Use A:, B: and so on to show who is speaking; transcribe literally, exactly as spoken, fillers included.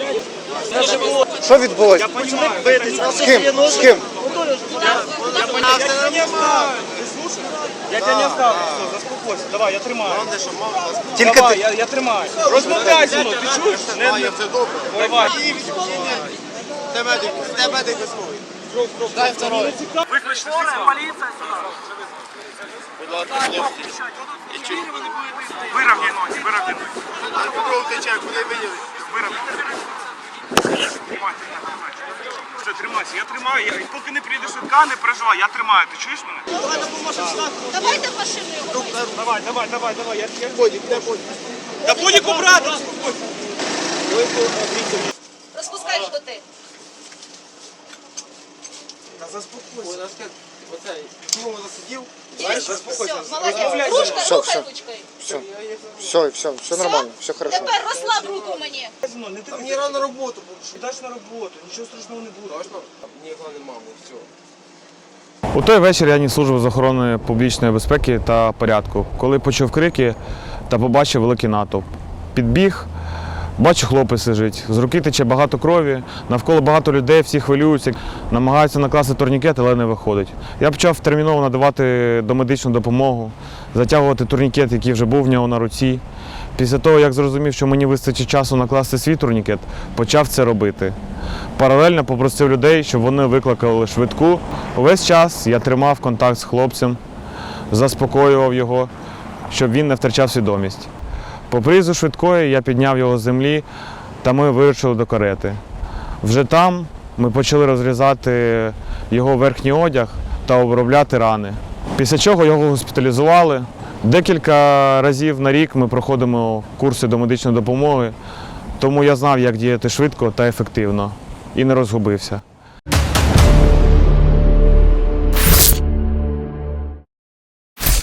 A: Що відбулося? З ким? З ким?
B: Я тебе не оставлю, все, заспокойся, давай, я тримаю.
A: Тільки
B: Давай,
A: ти.
B: я, я тримаю. Розмовляй зі мною, ти чуєш? Не, не. Давай.
C: Це медик, це медик висновий. Дай второй.
B: Виключно поліція сюди.
C: Будь ласка,
B: Виравняй ноги, виравняй ноги.
C: кров тече, куди виділи?
B: Виравняй. Тримай, тримай, тримай. Все, тримайся, я тримаю. Я, поки не прийде швидка, не переживай, я тримаю. Ти чуєш мене?
D: Давайте машину його.
B: Давай, давай, давай, давай. Я, я...
C: Бодік, де Бодік?
B: Та будь брати, успокойся.
D: Розпускай шпити.
B: Та заспокойся.
C: Ой, наскільки, оцей, чому засидів?
D: Все, молодець. Ручка,
A: Все,
D: рухай
A: все.
D: ручкою.
A: Все, все, все, все нормально, все хорошо.
D: Тепер розслаб руку мені.
B: Не ти
C: А мені рано на роботу буду.
B: Йдеш на роботу, нічого страшного не буде.
C: Точно? Ні, головне, маму, все.
E: У той вечір я ніс службу з охорони публічної безпеки та порядку. Коли почув крики та побачив великий натовп. Підбіг, бачу, хлопець лежить. З руки тече багато крові, навколо багато людей, всі хвилюються, намагаються накласти турнікет, але не виходить. Я почав терміново надавати домедичну допомогу, затягувати турнікет, який вже був в нього на руці. Після того, як зрозумів, що мені вистачить часу накласти свій турнікет, почав це робити. Паралельно попросив людей, щоб вони викликали швидку. Увесь час я тримав контакт з хлопцем, заспокоював його, щоб він не втрачав свідомість. По приїзду швидкої я підняв його з землі та ми вирушили до карети. Вже там ми почали розрізати його верхній одяг та обробляти рани. Після чого його госпіталізували. Декілька разів на рік ми проходимо курси домедичної допомоги, тому я знав, як діяти швидко та ефективно і не розгубився.